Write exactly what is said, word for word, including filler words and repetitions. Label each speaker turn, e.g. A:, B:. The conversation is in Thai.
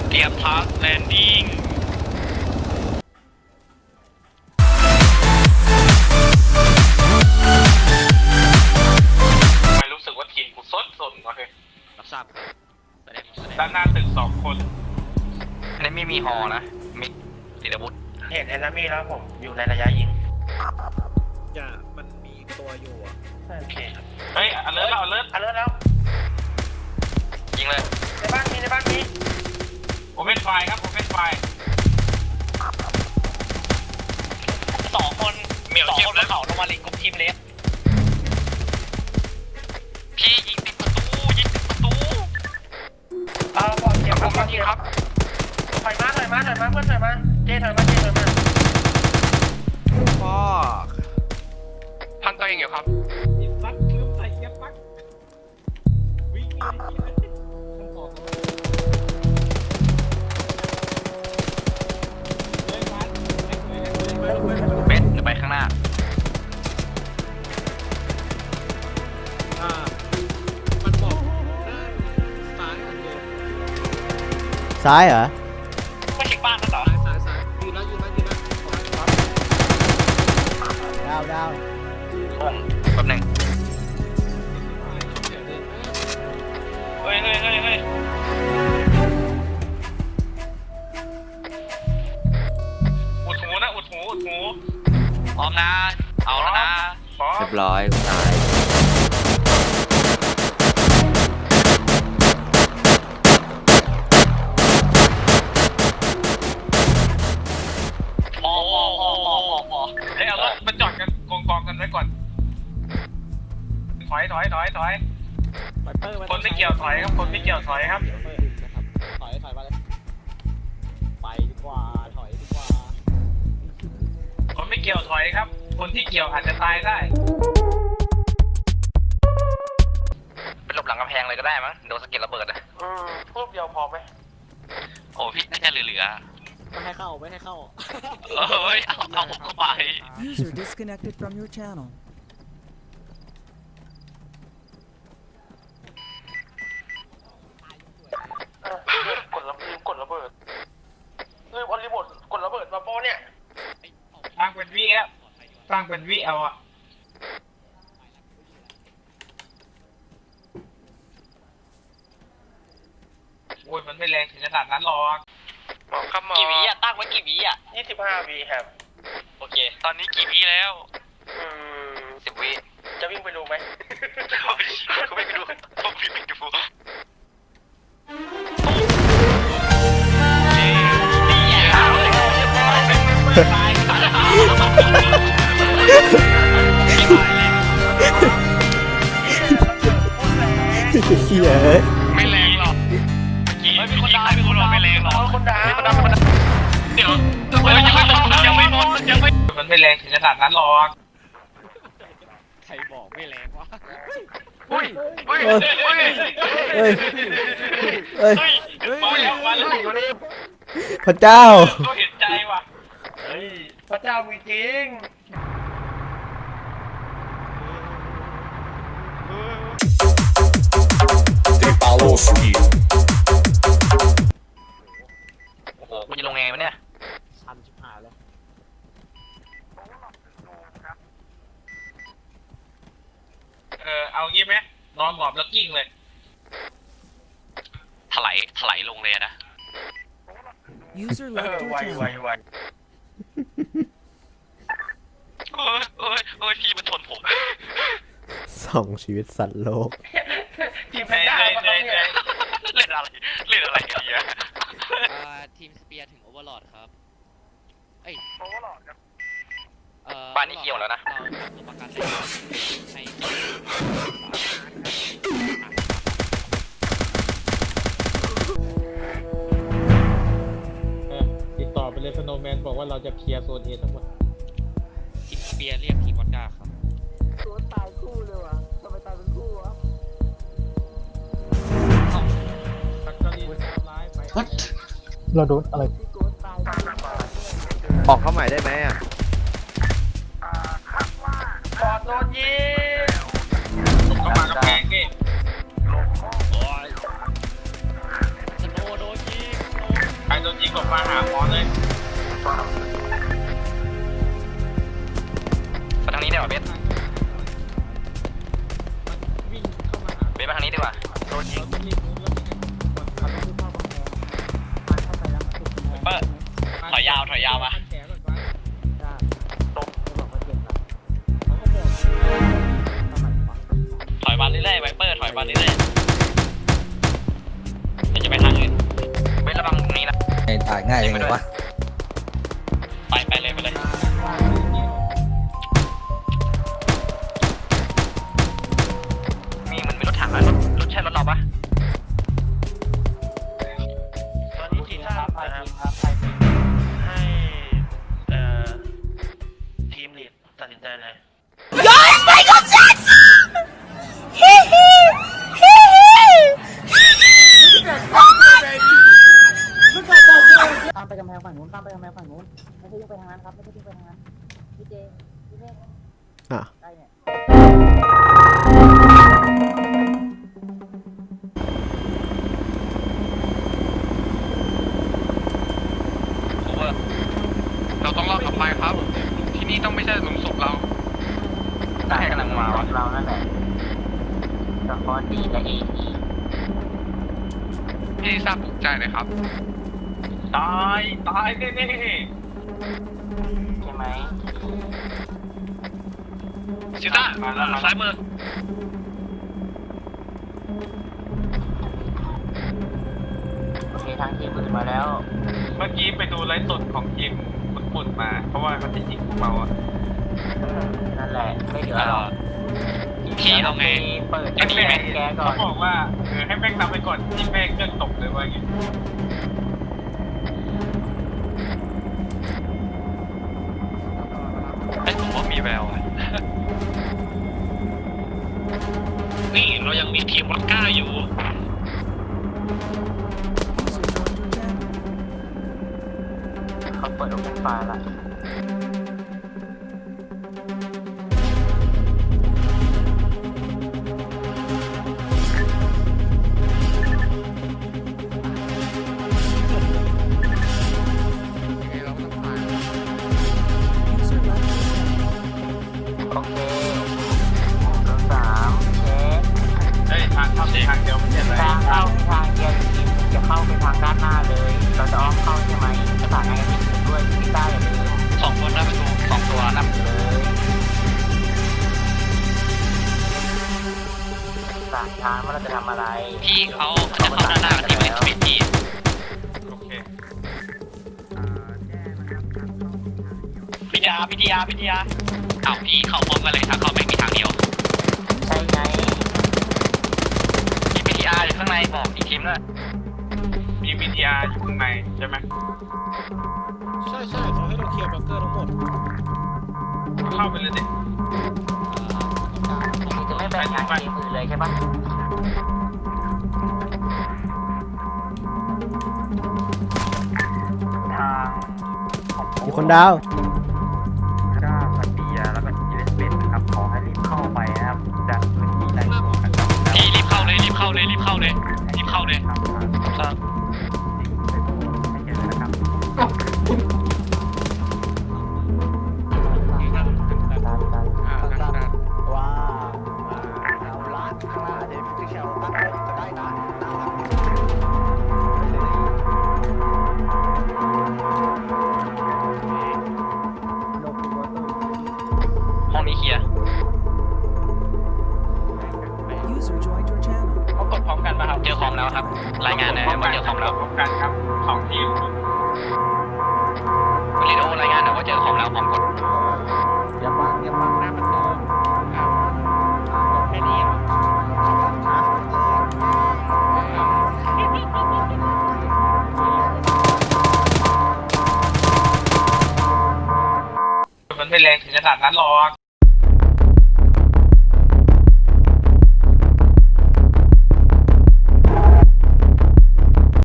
A: เตรียมทัสแลนดิ้งไม่รู้สึกว่าทีมกูซดสนวะเฮ้ยรับทราบด้านหน้าตึกสองคนอันนี้ไม่มีฮอนะมิกติดอาวุธ
B: เห็นแอนนามีแล้วผมอยู่ในระยะยิง
C: จะมันมีตัวอยู่อ่ะ
B: โอเค
A: เฮ้ยอเลิร์ตแล้วอเลิร์ต
B: อเลิร์ตแล้ว
A: ยิงเลย
B: ในบ้านมีในบ้านมี
A: โอเปนไฟครับโอเปนไฟสองคนสองคนบนเขาลงมาลิงกรุ๊ปทีมเล็กพี่ยิงติดประตูยิงติดประตู
B: เอาบอลเก็บครับบอลเก็บครับถอยมาถอยมาถอยมาเพื่อนถอยมาเจถอยมาเจถอยมา
C: พ่อ
A: พันตัวเองอยู่ครับ
C: ยิงซักลืมใส่เกียร์ปักวิ่งเลยทั้งสองเลยมัน
A: เบสจะไปข้างหน้า
C: อ่ามันบอกซ้ายอันเดียว
D: ซ้ายเหรอ
A: ไม่ใช่บ้านนั่นเหรอ
C: ซ้ายซ้ายยืนแล้วยืนแล้วยืนแล้ว
D: ดาวดาว
A: แป๊บนึงเฮ้ยเฮ้ยเฮ้ยเฮ้ยอุดหูนะอุดหูอุดหูพร้อมนะเอาแล้วนะ
D: เรียบร้อยตาย
A: พอพอพอพอพอพอเฮ้ยเอารถมาจอดกันกองกองกันไว้ก่อนถอยถอยถอยถอยคนไม่เกี่ยวถอยครับคนไม่เกี่ยวถอยครับ
C: ถอยถอยมาเลยไปดีกว่าถอยดีกว่า
A: คนไม่เกี่ยวถอยครับคนที่เกี่ยวอาจจะตายได้เป็นหลบหลังกำแพงเลยก็ได้มั้งโดนสะเก็ดระเบิดอ่ะ
B: อืมพูดเดียวพอไหม
A: โอ้พี่น่าจะเหลือ
C: ไม่ให้เข้าไม่ให้เข้า
A: เฮ้ยเอาเอาเข้าไป
E: User disconnected from your channel
B: กดระลืมกดระเบิดลืมเอารีโมทกดระเบิดมาโป้เนี่ย
A: ตั้งเป็นวิอ่ะตั้งเป็นวิเอาอ่ะโอ้ยมันไม่แรงถึงขนาดนั้นหรอกกี่วิอ่ะตั้งไว้กี่วิอ่ะ
B: ยี่สิบห้าวิครับ
A: โอเคตอนนี้กี่วิแล้ว
B: อืม
A: สิบวิ
B: จะวิ่งไปดูไหม
A: เขาไม่ไปดูต้องวิ่งไปดู
D: เฮีย
A: ไม่แรงหรอกไม่มีคนด่าไม่มีคนด่าไม่แรงหรอก
B: คนด่า
A: คนด่าคนด่าเดี๋ยวยังไม่หมดยังไม่หมดยังไม่มันไม่แรงถึงขนาดนั้นหรอก
C: ใครบอกไม่แรงวะ
A: อุ้ยอุ้ยอุ้ย
D: เฮ้ยเฮ้ย
A: มาแล้วมาแล้ว
D: พระเจ้า
A: ก็เห็นใจว่ะ
B: เฮ้ยพระเจ้ามีจริง
A: Tripaloski โอ้โหกูจะลงไงวะเนี่ย
C: ชันชิบหายเลย
A: เออเอางี้ไหมนอนหมอบแล้วกิ้งเลยถลายถลายลงเลยนะ
E: User
B: เออ
E: left
B: ไว
E: your
B: ไว
E: channel
B: ไว
A: โอ้ยโอ้ยโอ้ยพี่มันทนผม
D: สองชีวิตสัตว์โลก
B: ทีมแพนด้ามาตรงนี้
A: เล่นอะไรเล่นอะไรกันเนี่ย
F: ทีมสเปียร์ถึงโอเวอร์ลอดครับเอ้ย
B: โอเวอร์ลอดครับ
A: บ้านนี้เกี่ยวแล้วนะ
F: เราทำตัวประกันให้
C: ติดต่อไปเลยสโนว์แมนบอกว่าเราจะเคลียร์โซนเอทั้งหมด
F: ทีมสเปียร์เรียกทีมวอดก้าครับ
C: ตัวตายคู่เลยวะทำไมตายเป็นคู่วะเราโดนอะไร
D: ออกเข้าใหม่ได้ไหมอ่ะ
B: ปอดโดนยิง
A: เข้ามากระแพงนี่
F: สโนว์โดนยิง
A: มาหาหมอเลยมาทางนี้ดีกว่าเบส
C: วิ่งเข้ามาหา
A: เบสมาทางนี้ดีกว่าโดนยิง
C: รีบรู้แล้วมีขับรถเข้ากำแพงเข้าไปแล้วสุด
A: เปิดถอยยาวถอยยาวมา
C: แผลก่อนว่า
A: ตก
C: เขาบอกว่าเจ็บนะเขาก็บอกทำไมวะ
A: ถอยมาเรื่อยๆไวเปอร์ถอยมาเรื่อยๆเดี๋ยวจะไปทางอื่นเบสระวังตรงนี้นะ
G: ตายง่ายเลยวะ
A: ไปไปเลยไปเลยมีมันมีรถถังแล้วรถรถใช่รถเราปะ
B: ตอนนี้ทีมทราบนะครับให้เอ่อทีมลีดตัดสินใจเลย
H: ตามไปกำแพงฝั่งนู้นตามไปกำแพงฝั่งนู้นไม่ใช่วิ่งไปทางนั้นครับไม่ใช่วิ่งไปทางนั้นพี่เจพี่เมฆ
D: อ่ะ
H: ได้เนี่ย
A: โอเวอร์เราต้องรอดกลับไปครับ ที่นี่ต้องไม่ใช่หลุมศพเราได้กำลังมาวะ
H: เรานั่นแหละสปอร์ตดีและเอที
A: ที่ทราบถูกใจเลยครับ ตายตายแน่
H: ใช่ไหม
A: ๆชิต้าซ้ายมือ
H: โอเคทางทีมอื่นมาแล้ว
A: เมื่อกี้ไปดูไลฟ์สดของทีมปุ่นๆมา เพราะว่ามันจะยิงพวกเราอะ
H: นั่นแหละไม่เหลือหรอก
A: พี่เอาไง
H: เปิด
A: ให้
H: แก
A: แม่ง
H: แกก่อ
A: เขา
H: น
A: บอกว่าเออให้แม่งนำไปก่อนที่แม่งเครื่องตกเลยว่าอย่างงี้ไอ้ผมว่ามีแววอะนี่เรายังมีทีมวัดก้าอยู่
H: เขาเปิดโอเพนไฟล์ละ
E: User left your channel.
H: โอเคตัวสามเช็ค
A: เฮ้ยทางเข้าทางเดียวไม่ใช่ไหม
H: ทางเข้าทางเดียวทีมจะเข้าไปทางด้านหน้าเลย เราจะอ้อมเข้าใช่ไหมประสานงานกันทีมด้วยพี่ต้าอย่าลืม
A: สองคนหน้าประตูสองตัวนับ
H: เลยสามทางว่าเราจะทำอะไร
A: พี่เขาจะเข้าด้านหน้าที่ไม่เป็นทีโอเคพิทยาพิทยาพิทยาเอาพี่เข้าพร้อมกันเลยทางเข้าไม่มีทางเดียว
H: ใช่ไง
A: มีพิทยาอยู่ข้างในบอกอีกทีมด้วยมีพิทยาอยู่ข้างในใช่ไหม
C: ใช่ใช่เขาให้เราเคลียร์บังเกอร์ทั้งหมด
A: เข้าไปเลยดิ
H: ทีจะไม่แบ่งทางทีมอื่นเลยใช่ปะ
B: ทาง
D: มีคนดาว
B: ก้าสันเบียแล้วก็ยูเอสเบนนะครับขอให้รีบเข้าไปนะครับจากพื้นที่ในของกันแล้ว
A: พี่รีบเข้าเลยรีบเข้าเลยรีบเข้าเลยรีบเข้าเลย
B: ครับให้เห็นนะครับ
G: ว้าวเอาละข้างหน้าเดี๋ยวพี่เชลตั้งรถก็ได้นะน่ารักดี
A: ห้องนี้เคลียร์
E: User joined your channel.
A: เขากดพร้อมกันป่ะครับเจอคอมแล้วครับรายงานหน่อยว่าเจอคอมแล้วพร้อมกันครับสองทีมวิดีโอรายงานหน่อยว่าเจอคอมแล้วพร้อมกด
G: เยี่ยมมากเยี่ยมมากหน้าประตูอ้าวแค่นี้เหรอฮะ
A: มันไม่แรงถึงขนาดนั้นหรอก